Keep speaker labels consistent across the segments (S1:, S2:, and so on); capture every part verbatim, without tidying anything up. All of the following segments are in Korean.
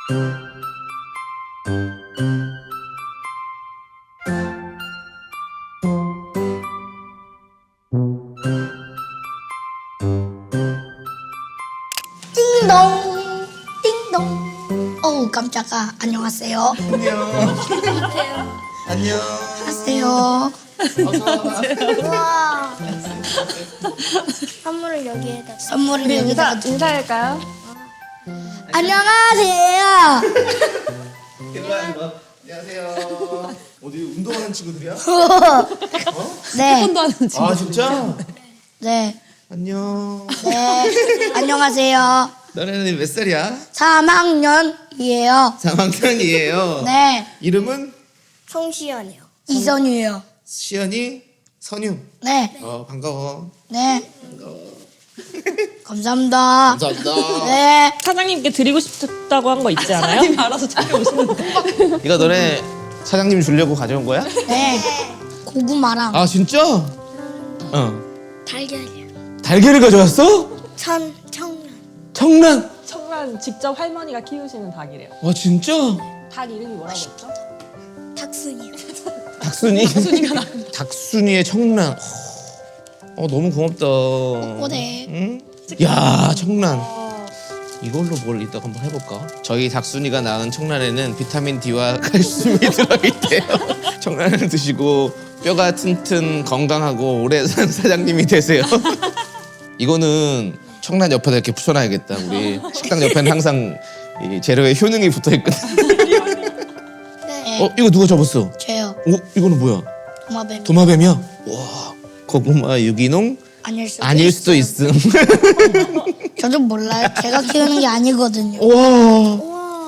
S1: 띵동 띵동. 어우 깜짝아. 안녕하세요.
S2: 안녕. 안녕.
S1: 안녕하세요.
S3: 우와. 선물을 여기에다.
S1: 선물을
S4: 우리 인사,
S1: 여기다가.
S4: 인사할까요?
S1: 안녕하세요.
S2: 일로 와, 일로 와. 안녕하세요. 어디 운동하는 친구들이야?
S1: 네.
S4: 한도 하는 친구.
S2: 아 진짜?
S1: 네.
S2: 안녕.
S1: 네. 안녕하세요.
S2: 너네는 몇 살이야?
S1: 삼 학년이에요.
S2: 삼 학년이에요.
S1: 네.
S2: 이름은
S3: 송시연이요.
S1: 이선유예요.
S2: 시연이, 선유.
S1: 네.
S2: 어 반가워.
S1: 네. 감사합니다.
S2: 감사합니다.
S1: 네.
S4: 사장님께 드리고 싶다고 한 거 있지 않아요? 사장님 알아서 챙겨오시는데.
S2: 이거 너네 사장님 주려고 가져온 거야?
S1: 네. 고구마랑
S2: 아 진짜? 어.
S3: 달걀이요.
S2: 달걀을 가져왔어?
S3: 천 청란.
S2: 청란.
S4: 청란 직접 할머니가 키우시는 닭이래요.
S2: 와 진짜?
S4: 닭 이름이 뭐라고 했죠?
S3: 탁순이요.
S2: 닭순이. 닭순이의 청란. 어 너무 고맙다.
S1: 꼬대.
S2: 응? 야 청란. 이걸로 뭘 이따가 한번 해볼까? 저희 닭순이가 낳은 청란에는 비타민 D와 칼슘이 들어있대요. 청란을 드시고 뼈가 튼튼 건강하고 오래 산 사장님이 되세요. 이거는 청란 옆에다 이렇게 붙여놔야겠다. 우리 식당 옆에는 항상 이 재료에 효능이 붙어있거든.
S1: 네.
S2: 어 이거 누가 접었어?
S1: 저요.
S2: 어 이거는 뭐야?
S1: 도마뱀.
S2: 도마뱀이야? 와 고구마 유기농
S1: 아닐 수도
S2: 아닐 수도
S1: 있어요.
S2: 있음.
S1: 저도 몰라요. 제가 키우는 게 아니거든요.
S2: 와.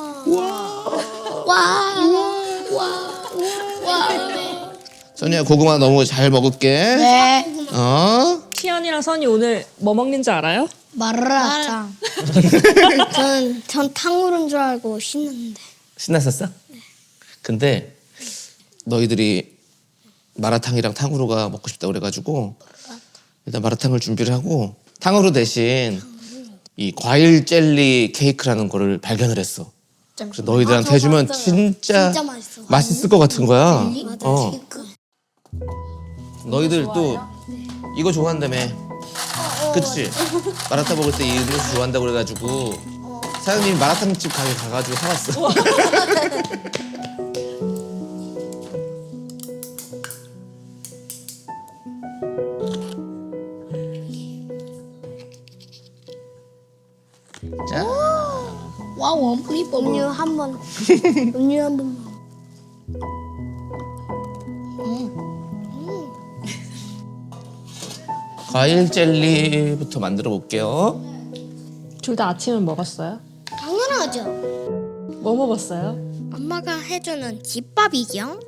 S1: 와. 와. 와.
S2: 선이야 고구마 너무 잘 먹을게.
S1: 네.
S2: 어?
S4: 시연이랑 선이 오늘 뭐 먹는지 알아요?
S1: 마라탕.
S3: 저는 전 탕후루인 줄 알고 신났는데.
S2: 신났었어? 근데 너희들이 마라탕이랑 탕후루가 먹고 싶다 그래가지고 일단 마라탕을 준비를 하고 탕후루 대신 이 과일 젤리 케이크라는 거를 발견을 했어. 그래서 너희들한테 해주면 진짜,
S3: 진짜 맛있어.
S2: 맛있을 것 같은 거야.
S1: 젤리?
S2: 어.
S1: 케이크.
S2: 너희들 또 이거 좋아한다며. 그치? 마라탕 먹을 때 이 음료수 좋아한다고 그래가지고 사장님이 마라탕집 가게 가가지고 사왔어. 자,
S1: 와 원플리퍼.
S3: 음료 한 번. 음료 한 번.
S2: 과일 젤리부터 만들어 볼게요.
S4: 둘 다 아침은 먹었어요?
S3: 당연하죠.
S4: 뭐 먹었어요?
S3: 엄마가 해주는 집밥이죠.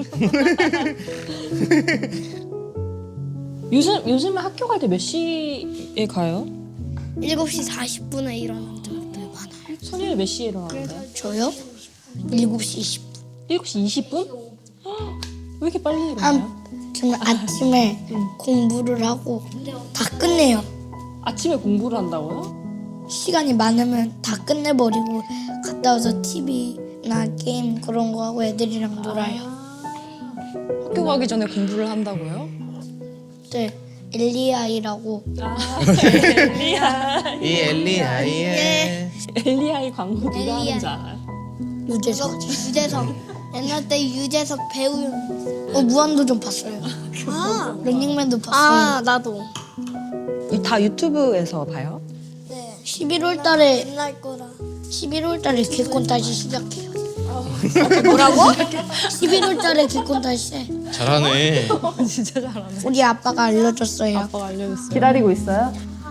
S4: 요즘 요즘에 학교 갈 때 몇 시에 가요?
S3: 일곱 시 사십 분에 일어나는 적들 많아요.
S4: 선이는 몇 시에 일어나는데요?
S1: 저요? 일곱 시 이십 분.
S4: 일곱 시 이십 분? 헉, 왜 이렇게 빨리 일어나요?
S1: 아, 저는 아침에 공부를 하고 다 끝내요.
S4: 아침에 공부를 한다고요?
S1: 시간이 많으면 다 끝내버리고 갔다 와서 티비나 게임 그런 거 하고 애들이랑 놀아요.
S5: 학교 가기 전에 공부를 한다고요?
S1: 네, 엘리아이라고.
S4: 아, 엘리아이.
S2: 이 엘리아이의
S4: 엘리아이 광고 누가
S3: 엘리아이.
S4: 하는지 알아요?
S1: 유재석.
S3: 유재석. 옛날 때 유재석 배우.
S1: 어 무한도전 봤어요.
S3: 아.
S1: 런닝맨도 봤어요.
S3: 아 나도.
S5: 다 유튜브에서 봐요?
S3: 네.
S1: 십일월 달에
S3: 옛날 거라.
S1: 십일월 달에 개콘 다시 시작해요.
S3: 뭐라고?
S1: 십일월 달에 개콘 다시 해.
S2: 잘하네.
S5: 진짜 잘하네.
S1: 우리 아빠가 알려줬어요.
S5: 아빠가 알려줬어요.
S4: 기다리고 있어요?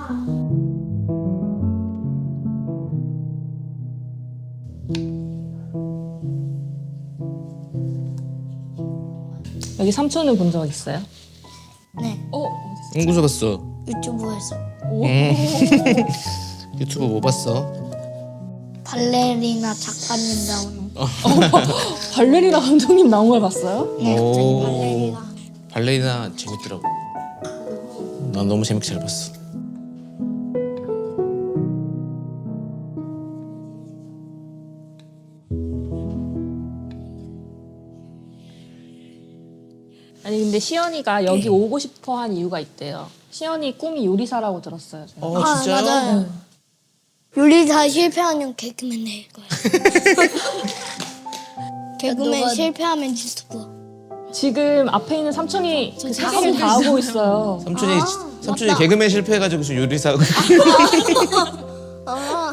S4: 여기 삼촌은 본 적 있어요?
S1: 네,
S4: 어?
S2: 공부 봤어.
S1: 유튜브에서
S2: 유튜브 뭐 봤어?
S1: 발레리나 작가님 나오는 거.
S4: 발레리나 감독님 나온 걸 봤어요?
S1: 네, 갑자기
S2: 오.
S1: 발레리나.
S2: 발레리나 재밌더라고. 난 너무 재밌게 잘 봤어.
S4: 아니 근데 시연이가 여기 오고 싶어 한 이유가 있대요. 시연이 꿈이 요리사라고 들었어요. 저는.
S2: 어
S3: 아,
S2: 진짜요?
S3: 맞아요. 요리사 실패하면 개그맨 될 거예요. 개그맨
S1: 너가-
S3: 실패하면 유튜버.
S4: 지금 앞에 있는 삼촌이 그 작업을 다 하고 있어요.
S2: 삼촌이 삼촌이 개그맨 실패해가지고 지금 요리사.
S3: 아,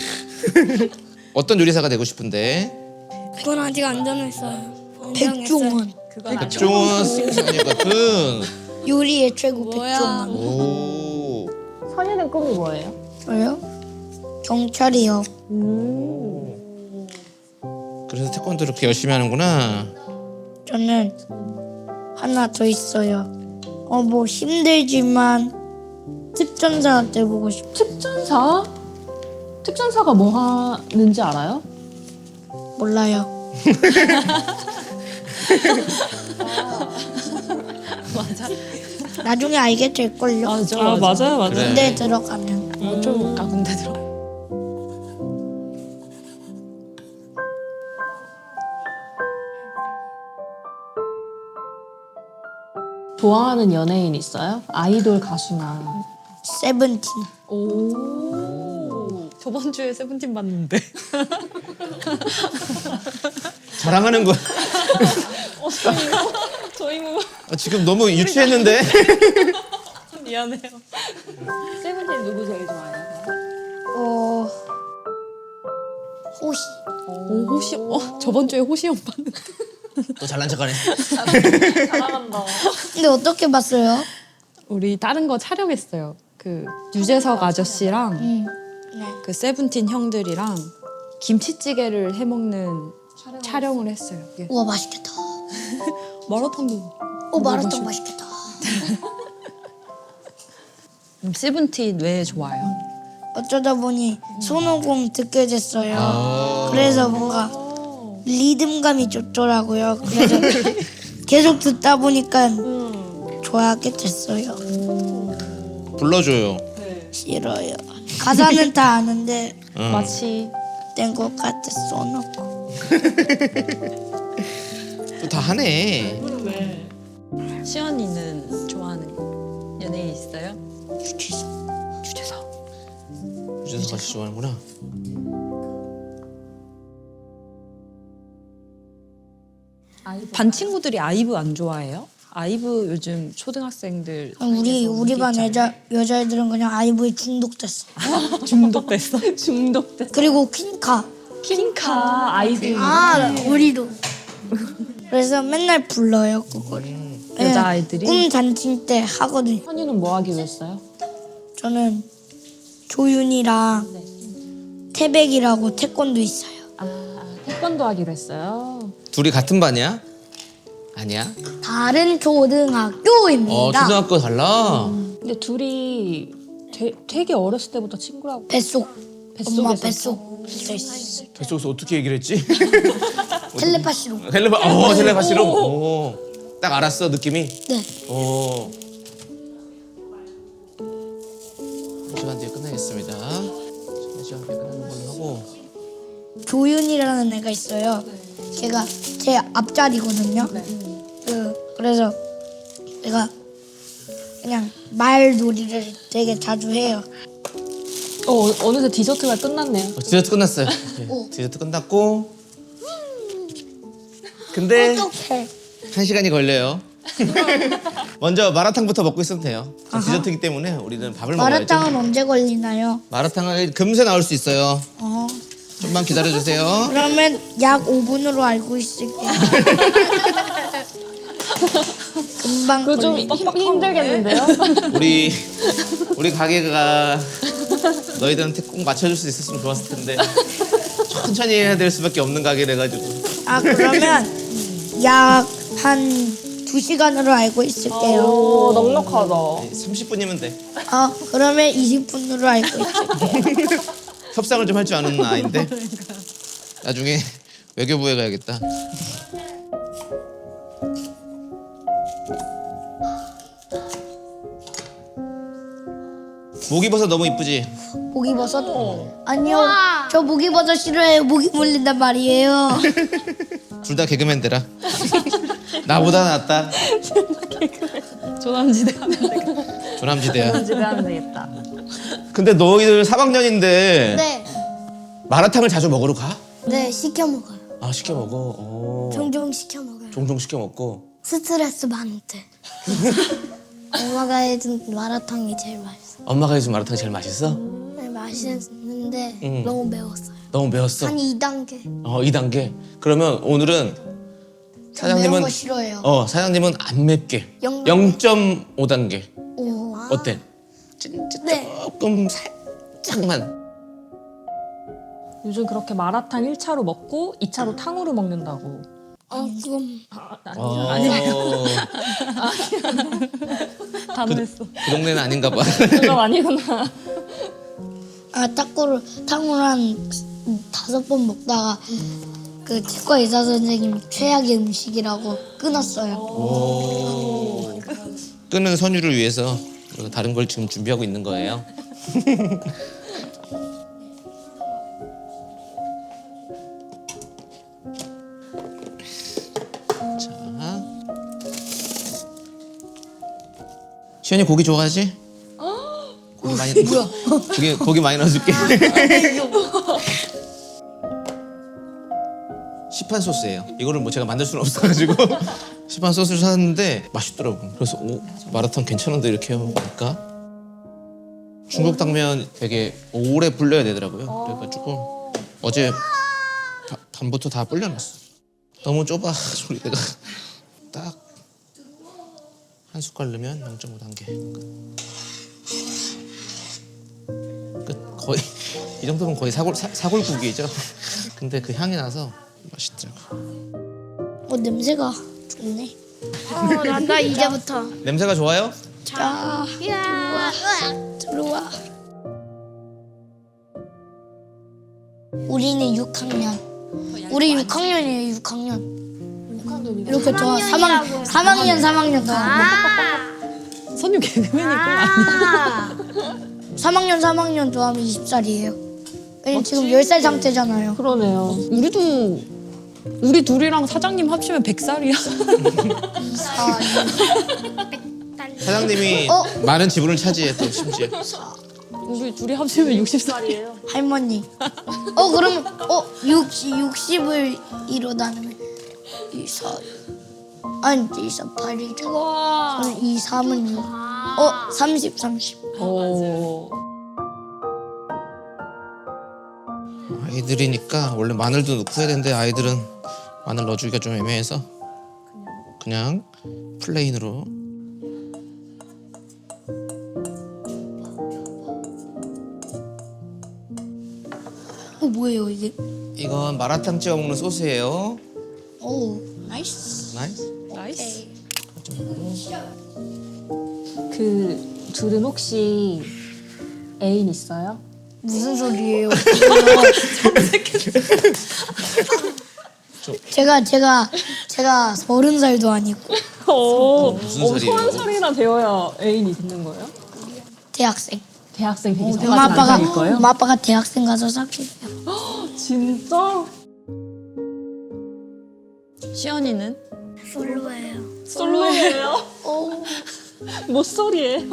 S2: 어떤 요리사가 되고 싶은데?
S3: 그건 아직 안 정했어요. 안
S1: 백종원.
S2: 백종원 선생님 같은.
S1: 요리의 최고
S3: 뭐야.
S1: 백종원.
S2: 오.
S4: 선이는 꿈이 뭐예요?
S1: 저요? 경찰이요.
S2: 그래서 태권도 이렇게 열심히 하는구나.
S1: 저는 하나 더 있어요. 어 뭐 힘들지만 특전사 돼보고 싶.
S4: 특전사? 특전사가 뭐 하는지 알아요?
S1: 몰라요.
S5: 맞아.
S1: 나중에 알게 될 걸요.
S5: 맞아.
S4: 아 맞아요, 맞아요.
S2: 그래.
S1: 군대 들어가면.
S5: 좀 아, 군대 들어.
S4: 좋아하는 연예인 있어요? 아이돌 가수나.
S1: 세븐틴.
S5: 오. 저번 주에 세븐틴 봤는데.
S2: 자랑하는 거.
S5: 저희 뭐
S2: 아, 지금 너무 유치했는데.
S5: 미안해요.
S4: 세븐틴 누구 제일 좋아해요?
S1: 어 호시.
S5: 오 호시. 어 저번 주에 호시 형 봤는데.
S2: 또 잘난 척하네.
S4: 잘한다.
S1: 근데 어떻게 봤어요?
S5: 우리 다른 거 촬영했어요. 그 유재석 아저씨랑
S1: 음. 네.
S5: 그 세븐틴 형들이랑 김치찌개를 해 먹는 촬영을 했어요. 예.
S1: 우와 맛있겠다.
S5: 마라탕도.
S1: 오 마라탕 맛있겠다.
S5: 음, 세븐틴 왜 좋아요?
S1: 어쩌다 보니 손오공 듣게 됐어요.
S2: 아.
S1: 그래서 뭔가 리듬감이 좋더라고요. 그래서 계속 듣다 보니까 좋아하게 됐어요.
S2: 불러줘요.
S1: 싫어요. 가사는 다 아는데
S2: 응.
S4: 마치
S1: 된 것 같아 써놓고.
S2: 또 다 하네.
S5: 시연이는 좋아하는 연예인 있어요?
S1: 유재석.
S5: 유재석.
S2: 유재석 같이 좋아하는구나.
S5: 반 친구들이 아이브 안 좋아해요? 아이브 요즘 초등학생들
S1: 아, 우리
S5: 사이에서
S1: 우리 반
S5: 인기 있잖아요.
S1: 여자 여자애들은 그냥 아이브에 중독됐어.
S5: 중독됐어?
S4: 중독된
S1: 그리고 퀸카.
S4: 퀸카 아이들.
S1: 아 우리도. 그래서 맨날 불러요 그걸.
S5: 여자아이들이?
S1: 꿈 잔치 때 하거든요.
S4: 선이는 뭐 하기로 했어요?
S1: 저는 조윤이랑 태백이라고 태권도 있어요.
S4: 아 태권도 하기로 했어요.
S2: 둘이 같은 반이야? 아니야?
S1: 다른 초등학교입니다.
S2: 어 초등학교 달라.
S4: 근데 둘이 되, 되게 어렸을 때부터 친구라고.
S1: 뱃속.
S4: 뱃속에서
S1: 엄마 뱃속 붙어 있어.
S2: 뱃속에서 어떻게 얘기를 했지?
S1: 텔레파시로.
S2: 텔레파, 어 텔레파시로. 오. 딱 알았어 느낌이.
S1: 네.
S2: 오. 한 시간 뒤에 끝나겠습니다. 한 시간 뒤에 끝나는 걸로 하고.
S1: 조윤이라는 애가 있어요. 걔가 제 앞자리거든요. 그 그래서 내가 그냥 말놀이를 되게 자주 해요.
S4: 어 어느새 디저트가 끝났네요.
S2: 어, 디저트 끝났어요. 네,
S1: 오.
S2: 디저트 끝났고. 근데
S1: 어떡해.
S2: 한 시간이 걸려요. 먼저 마라탕부터 먹고 있으면 돼요. 저
S1: 아하.
S2: 디저트이기 때문에 우리는 밥을 먹어야죠.
S1: 마라탕은 언제 걸리나요?
S2: 마라탕은 금세 나올 수 있어요.
S1: 어.
S2: 좀만 기다려 주세요.
S1: 그러면 약 오 분으로 알고 있을게요. 금방
S4: 그거 좀
S1: 걸리.
S4: 힘- 힘들겠는데요?
S2: 우리 우리 가게가 너희들한테 꼭 맞춰줄 수 있었으면 좋았을 텐데 천천히 해야 될 수밖에 없는 가게래 가지고.
S1: 아 그러면 약 한 두 시간으로 알고 있을게요.
S4: 오 넉넉하다.
S2: 삼십 분이면 돼.
S1: 아 그러면 이십 분으로 알고 있을게요.
S2: 협상을 좀 할 줄 아는 아이인데 나중에 외교부에 가야겠다. 목이버섯 너무 이쁘지?
S1: 목이버섯? 아니요. 저 모기버섯 싫어해요. 모기 물린단 말이에요.
S2: 둘 다 개그맨 되라. 나보다 낫다.
S5: 조남지대 하면 되겠다.
S2: 조남지대야.
S4: 집에 하면 되겠다.
S2: 근데 너희들 삼 학년인데
S3: 네.
S2: 마라탕을 자주 먹으러 가?
S3: 네, 시켜 먹어요.
S2: 아 시켜 먹어. 오.
S3: 종종 시켜 먹어요.
S2: 종종 시켜 먹고.
S3: 스트레스 많을 때. 엄마가 해준 마라탕이 제일 맛있어.
S2: 엄마가 해준 마라탕 제일 맛있어?
S3: 네, 맛있는데
S2: 응.
S3: 너무 매웠어요.
S2: 너무 매웠어.
S3: 한 이 단계.
S2: 어 이 단계. 그러면 오늘은
S1: 매운
S2: 사장님은
S1: 거 싫어해요.
S2: 어 사장님은 안 맵게
S3: 영-
S2: 영 점 오 단계.
S3: 오.
S2: 어때? 진짜
S3: 네.
S2: 조금 살짝만.
S4: 요즘 그렇게 마라탕 일 차로 먹고 이 차로 탕후루 먹는다고.
S3: 어, 그건
S2: 어,
S4: 단호했어.
S2: 그 동네는 아닌가 봐.
S4: 그건 아니구나.
S1: 아 탁구를 탕후루 한 다섯 번 먹다가 그 치과 의사 선생님이 최악의 음식이라고 끊었어요.
S2: 끄는 선율을 위해서 다른 걸 지금 준비하고 있는 거예요. 자, 시연이 고기 좋아하지? 고기 많이 뭐야? 고기 고기 많이 넣어줄게. 시판 소스예요. 이거를 뭐 제가 만들 수는 없어가지고 시판 소스를 샀는데 맛있더라고. 그래서 오 마라탕 괜찮은데 이렇게 해보니까 중국 당면 되게 오래 불려야 되더라고요. 그래가지고 어제 바- 밤부터 다 불려놨어. 너무 좁아 소리 내가 딱 한 숟갈 넣으면 영 점 오 단계 끝. 끝. 거의 이 정도면 거의 사골 사, 사골국이죠. 근데 그 향이 나서 맛있더라고.
S1: 어 냄새가 좋네.
S3: 어, 난다 이제부터.
S2: 냄새가 좋아요?
S1: 자
S3: 야.
S1: 들어와. 우리는 육 학년. 우리 육 학년이에요. 육 학년. 이렇게 좋아. 삼 학년 삼 학년 삼 학년 더.
S5: 선유 개그맨이구나.
S3: 아.
S1: 삼 학년 삼 학년 더하면 이십 살이에요. 왜냐면 지금 열 살 상태잖아요.
S4: 그러네요.
S5: 우리도 우리 둘이랑 사장님 합치면 백 살이야.
S2: 사장님이
S1: 어?
S2: 많은 지분을 차지해 또 심지어.
S5: 우리 둘이 합치면 육십 살이에요.
S1: 할머니. 어 그러면 어 육십 육십을 이로 나누면 이사 아니 이사팔이죠.
S3: 와.
S1: 이 삼은 육. 어 삼십 삼십.
S4: 오.
S2: 아이들이니까 원래 마늘도 넣고 해야 되는데 아이들은 마늘 넣어주기가 좀 애매해서 그냥 플레인으로.
S1: 어 뭐예요 이게?
S2: 이건 마라탕 찍어 먹는 소스예요.
S1: 오 나이스.
S2: 나이스.
S5: 나이스.
S4: 그 둘은 혹시 애인 있어요?
S1: 무슨 소리예요? 제가 제가 제가 서른 살도 아니고
S4: 오,
S2: 무슨
S4: 어,
S2: 소리예요?
S4: 서른 살이나 되어야 애인이 있는 거예요?
S1: 대학생.
S4: 대학생 되기 전까지
S1: 엄마 아빠가
S4: 안 사귈 거예요?
S1: 엄마 아빠가 대학생 가서 사귀어요.
S4: 진짜?
S5: 시연이는?
S3: 솔로예요.
S4: 솔로예요?
S1: 오.
S4: 모쏠이에요?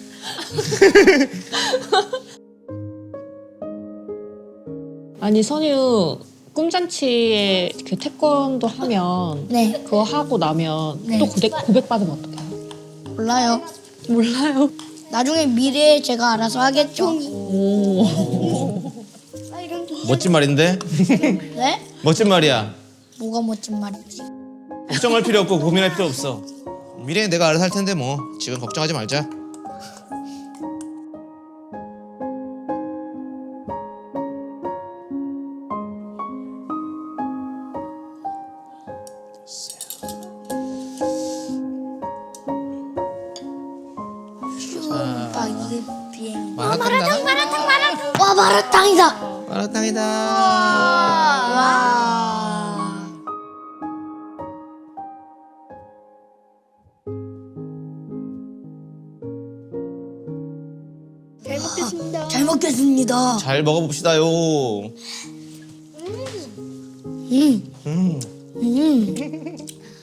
S4: 아니 선유 꿈잔치에 그 태권도 하면
S1: 네
S4: 그거 하고 나면
S1: 네.
S4: 또 고백, 고백 받으면 어떡해요?
S1: 몰라요.
S4: 몰라요.
S1: 나중에 미래에 제가 알아서 하겠죠.
S4: 오.
S2: 멋진 말인데?
S1: 네?
S2: 멋진 말이야.
S1: 뭐가 멋진 말이지?
S2: 걱정할 필요 없고 고민할 필요 없어. 미래에 내가 알아서 할 텐데 뭐 지금 걱정하지 말자.
S1: 아 이게 비행.
S2: 마라탕 나가?
S3: 마라탕 마라탕.
S1: 와 마라탕이다.
S2: 마라탕이다.
S1: 와.
S3: 잘 먹겠습니다.
S1: 잘 먹겠습니다. 먹겠습니다.
S2: 잘 먹어봅시다요.
S1: 음,
S2: 음.
S1: 음.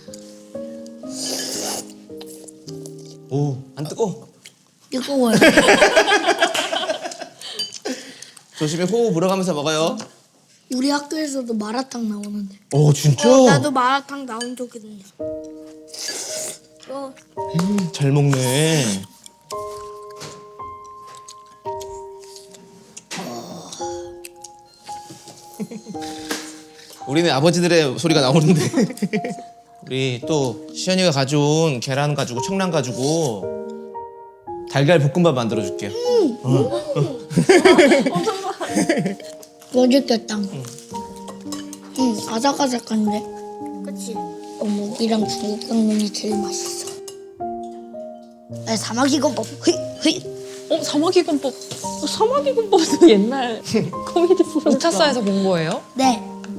S2: 오, 안 뜨거.
S1: 뜨거워요.
S2: 조심히 호흡 불어가면서 먹어요.
S1: 우리 학교에서도 마라탕 나오는데.
S2: 오, 진짜?
S3: 어, 나도 마라탕 나온 적 있네. 어,
S2: 잘 먹네. 우리는 아버지들의 소리가 나오는데 우리 또 시연이가 가져온 계란 가지고 청란 가지고 달걀 볶음밥 만들어 줄게요.
S1: 맛있겠다. 응, 아삭아삭한데.
S3: 그치.
S1: 어묵이랑 중국 당면이 제일 맛있어. 아, 사마귀곰밥. 흐이, 흐이.
S4: 어 사마귀곰법. 어, 사마귀곰법도 옛날 코미디 프로그램.
S5: 우차사에서 본 거예요?
S1: 네.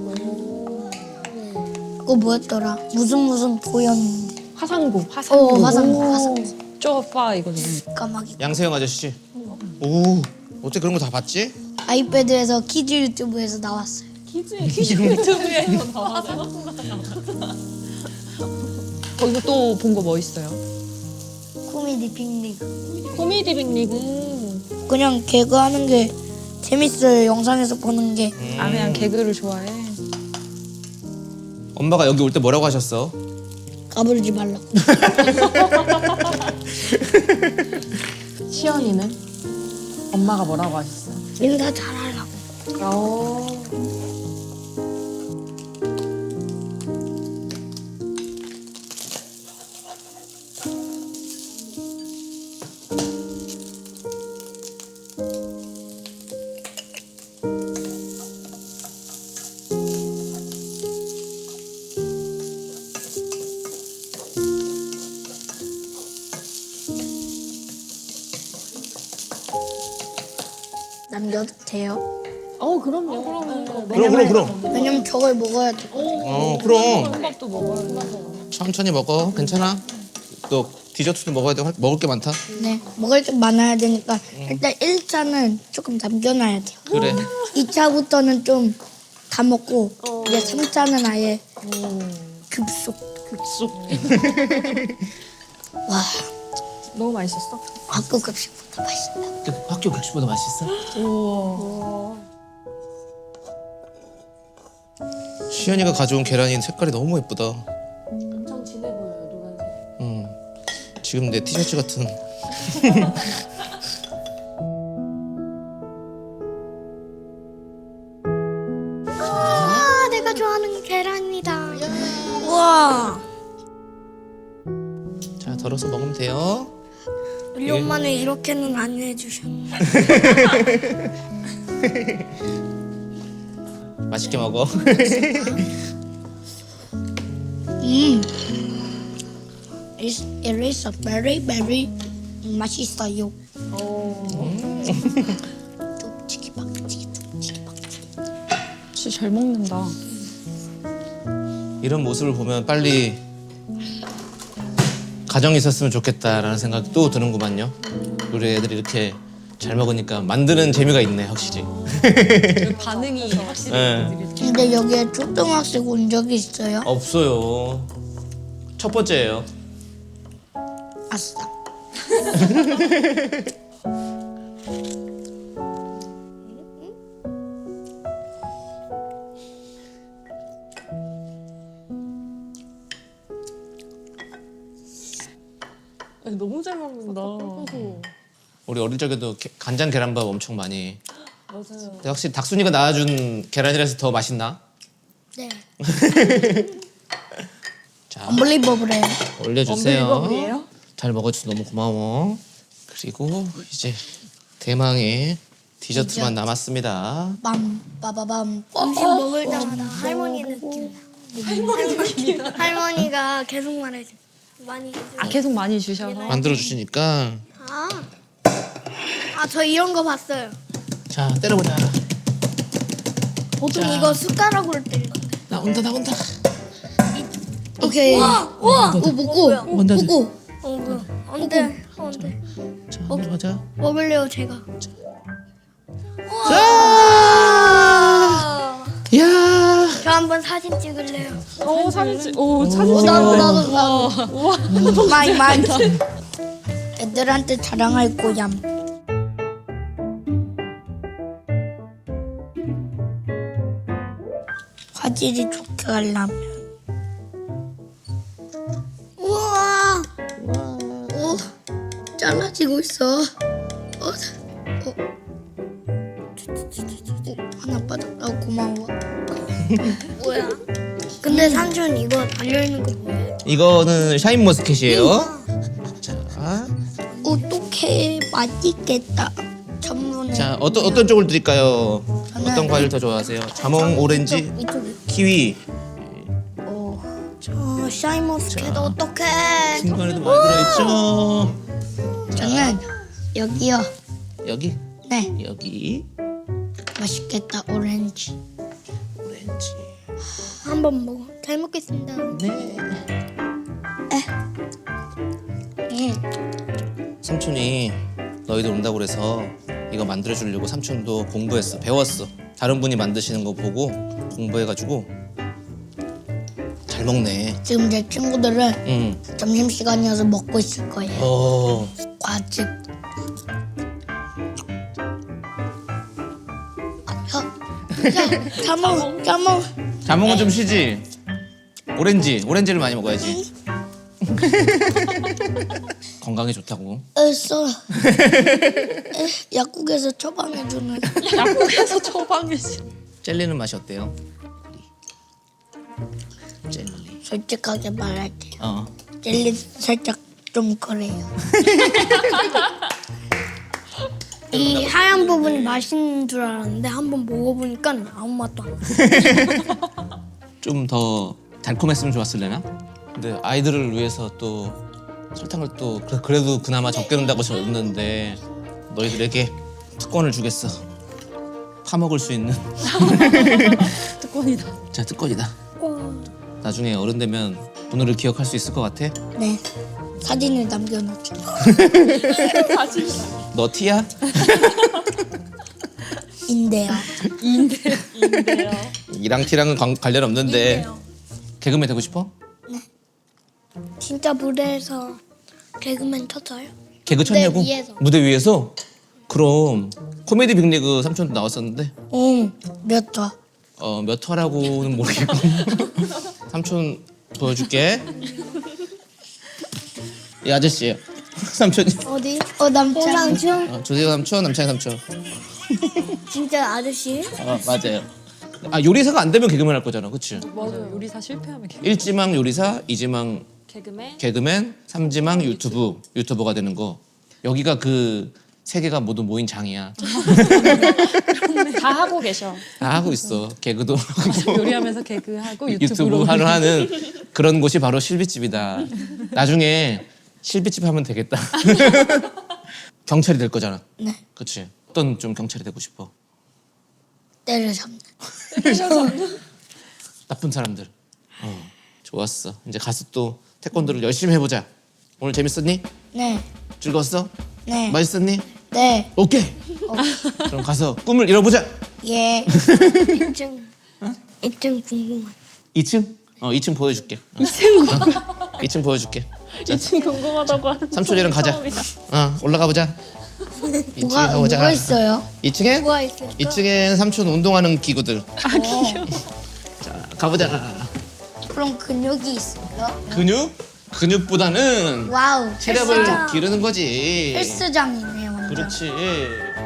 S1: 그거 뭐였더라? 무슨 무슨 보였는데.
S4: 화상고.
S5: 화상.
S1: 어, 화상고, 화상고.
S5: 쪼빠 이거는.
S1: 까마귀.
S2: 양세형 아저씨. 오, 어떻게 그런 거 다 봤지?
S1: 아이패드에서 키즈 유튜브에서 나왔어요.
S4: 키즈 키즈 유튜브에서 나와서.
S5: 거기서 또 본 거 뭐 있어요?
S1: 코미디 빅리그.
S4: 코미디 빅리그.
S1: 그냥 개그하는 게 재밌어요. 영상에서 보는 게.
S5: 아 그냥 개그를 좋아해.
S2: 엄마가 여기 올 때 뭐라고 하셨어?
S1: 까부르지 말라고.
S4: 시연이는 엄마가 뭐라고 하셨어요?
S1: 인사 잘하라고.
S4: 어.
S1: 남겨도 돼요?
S4: 어 그럼요. 그럼요.
S2: 그럼 그럼 그럼.
S1: 왜냐면 저걸 먹어야 돼.
S2: 어, 그럼.
S4: 밥 먹어요.
S2: 천천히 먹어. 괜찮아. 또 디저트도 먹어야 돼. 먹을 게 많다.
S1: 네. 먹을 게 많아야 되니까 일단 일 차는 조금 남겨놔야 돼요.
S2: 그래.
S1: 이 차부터는 좀 다 먹고 이제 삼 차는 아예 급속.
S4: 급속.
S1: 와,
S4: 너무 맛있었어?
S1: 학교 급식보다 맛있다.
S2: 학교 급식보다 맛있어? 시연이가 가져온 계란이 색깔이 너무 예쁘다.
S4: 엄청 진해 보여요 노란색.
S2: 음. 지금 내 티셔츠 같은.
S3: 아, 내가 좋아하는 계란이다.
S1: 우와.
S2: 자, 덜어서 먹으면 돼요.
S3: 우리 엄마는 이렇게는 안 해주셨네.
S2: 맛있게 먹어.
S1: 음. It's, it is a very very 맛있어요. 뚝치기 박치기 뚝치기 박치기.
S5: 진짜 잘 먹는다.
S2: 이런 모습을 보면 빨리 가정이 있었으면 좋겠다라는 생각이 또 드는구만요. 우리 애들이 이렇게 잘 먹으니까 만드는 재미가 있네, 확실히.
S5: 반응이 확실히.
S2: 네.
S1: 근데 여기에 초등학생 온 적이 있어요?
S2: 없어요. 첫 번째예요.
S1: 아싸.
S4: 너무 잘 먹는다.
S2: 우리 어릴 적에도 게- 간장 계란밥 엄청 많이.
S4: 맞아요.
S2: 근데 확실히 닥순이가 낳아준 계란이라서 더 맛있나?
S1: 네.
S2: 자,
S1: 언블리버블해요.
S2: 올려주세요.
S4: 언빌리버블이에요?
S2: 잘 먹어줘서 너무 고마워. 그리고 이제 대망의 디저트만
S1: 디저트.
S2: 남았습니다.
S1: 빰 빠바밤.
S3: 음식 먹을 때마다 할머니 느낌. 할머니 할머니가 계속 말해줘. 많이 해줘.
S5: 아 계속 많이 주셔서.
S2: 만들어 주시니까.
S3: 아, 아, 저 이런 거 봤어요.
S2: 자, 때려보자.
S3: 보통 이거 숟가락으로 때리는 거.
S2: 나온다, 나온다.
S1: 오케이.
S3: 우와, 우와.
S1: 오 먹고
S2: 원단지.
S1: 먹고.
S3: 어, 뭐야? 안 돼, 안 돼.
S2: 자, 내려가자.
S3: 먹을래요, 제가.
S2: 자, 야,
S3: 저 한번 사진 찍을래요.
S4: 오 사진 찍. 오 사진
S1: 어,
S4: 찍.
S1: 나도 나도 나도. 많이 많이. 애들한테 자랑할 거야. 화질이 좋게 하려면. 우와. 오, 잘라지고 있어. 어, 어. 어, 하나 빠졌다. 고마워.
S3: 뭐야? 근데 삼촌 이거 달려있는 거 뭐예요?
S2: 이거는 샤인 머스켓이에요. 자,
S1: 어떡해, 맛있겠다. 전문에.
S2: 자 어떤 어떤 쪽을 드릴까요?
S1: 저는
S2: 어떤 과일 더 좋아하세요? 자몽, 오렌지,
S1: 이쪽에.
S2: 키위.
S3: 저 샤인머스켓
S2: 자.
S3: 어떡해?
S2: 중간에도 많이 들어있죠.
S1: 저는 여기요.
S2: 여기,
S1: 네,
S2: 여기
S1: 맛있겠다. 오렌지.
S2: 오렌지.
S3: 한번 먹어. 잘 먹겠습니다.
S2: 네.
S1: 음,
S2: 삼촌이 너희들 온다고 그래서 이거 만들어 주려고 삼촌도 공부했어. 배웠어. 다른 분이 만드시는 거 보고 공부해가지고 잘 먹네.
S1: 지금 제 친구들은
S2: 응.
S1: 점심 시간이어서 먹고 있을 거예요.
S2: 어.
S1: 과즙. 야, 야, 자몽, 자몽.
S2: 자몽은 좀 쉬지. 오렌지, 오렌지를 많이 먹어야지. 건강에 좋다고.
S1: 애써. 약국에서 처방해주는.
S4: 약국에서 처방이지.
S2: 젤리는 맛이 어때요? 젤리.
S1: 솔직하게 말할게요.
S2: 어.
S1: 젤리 살짝 좀 그래요.
S3: 이 하얀 부분이 맛있는 줄 알았는데 한번 먹어보니까 아무 맛도 안 나.
S2: 좀 더 달콤했으면 좋았을래나? 근데 아이들을 위해서 또 설탕을 또 그래- 그래도 그나마 적게 넣는다고 줬는데 너희들에게 특권을 주겠어. 파먹을 수 있는.
S5: 특권이다.
S2: 자, 특권이다. 나중에 어른 되면 오늘을 기억할 수 있을 것 같아?
S1: 네. 사진을 남겨놓죠.
S2: 너 티야?
S1: 인데요.
S4: 인데요.
S2: 이랑 티랑은 관, 관련 없는데 개그맨 되고 싶어?
S3: 진짜 무대에서 개그맨 쳤어요?
S2: 개그 쳤냐고?
S3: 위에서.
S2: 무대 위에서? 그럼 코미디 빅리그 삼촌도 나왔었는데
S1: 응, 몇 화?
S2: 어, 몇 화라고는 모르겠고 삼촌 보여줄게. 이 아저씨예요. 삼촌이.
S3: 어디?
S1: 어, 남자.
S3: 삼촌?
S2: 어, 조세호 삼촌, 남창희 삼촌.
S3: 진짜 아저씨?
S2: 어, 맞아요. 아, 요리사가 안 되면 개그맨 할 거잖아, 그치?
S5: 맞아요. 요리사 실패하면 개-
S2: 일지망 요리사, 이지망
S4: 개그맨.
S2: 개그맨, 삼지망 유튜브 유튜버가 되는 거. 여기가 그 세 개가 모두 모인 장이야.
S4: 다 하고 계셔.
S2: 다 하고 있어. 개그도 하고
S5: 요리하면서 개그하고
S2: 유튜브
S5: 유튜브로
S2: 하러 하는 그런 곳이 바로 실비집이다. 나중에 실비집 하면 되겠다. 경찰이 될 거잖아.
S1: 네.
S2: 그렇지. 어떤 좀 경찰이 되고 싶어?
S1: 때려잡는.
S2: 나쁜 사람들. 어, 좋았어. 이제 가서 또 태권도를 열심히 해보자. 오늘 재밌었니?
S1: 네.
S2: 즐거웠어?
S1: 네.
S2: 맛있었니?
S1: 네.
S2: 오케이. 그럼 가서 꿈을 이뤄보자.
S1: 예.
S3: 이 층. 이 층 궁금해.
S2: 이 층? 어, 이 층 보여줄게. 이 층 어, 이 층 보여줄게.
S4: 이 층 궁금하다고 하는.
S2: 삼촌이랑 가자.
S4: 처음이다.
S2: 어, 올라가 보자. 이 층에
S1: 뭐가,
S2: 가보자.
S1: 뭐가 있어요?
S2: 이 층에?
S3: 뭐가 있을까?
S2: 이 층엔 삼촌 운동하는 기구들.
S4: 아 귀여워.
S2: 자, 가보자.
S1: 그럼 근육이 있어요?
S2: 근육? 근육보다는
S1: 와우.
S2: 체력을
S1: 헬스장.
S2: 기르는 거지.
S1: 헬스장이네요, 완전.
S2: 그렇지.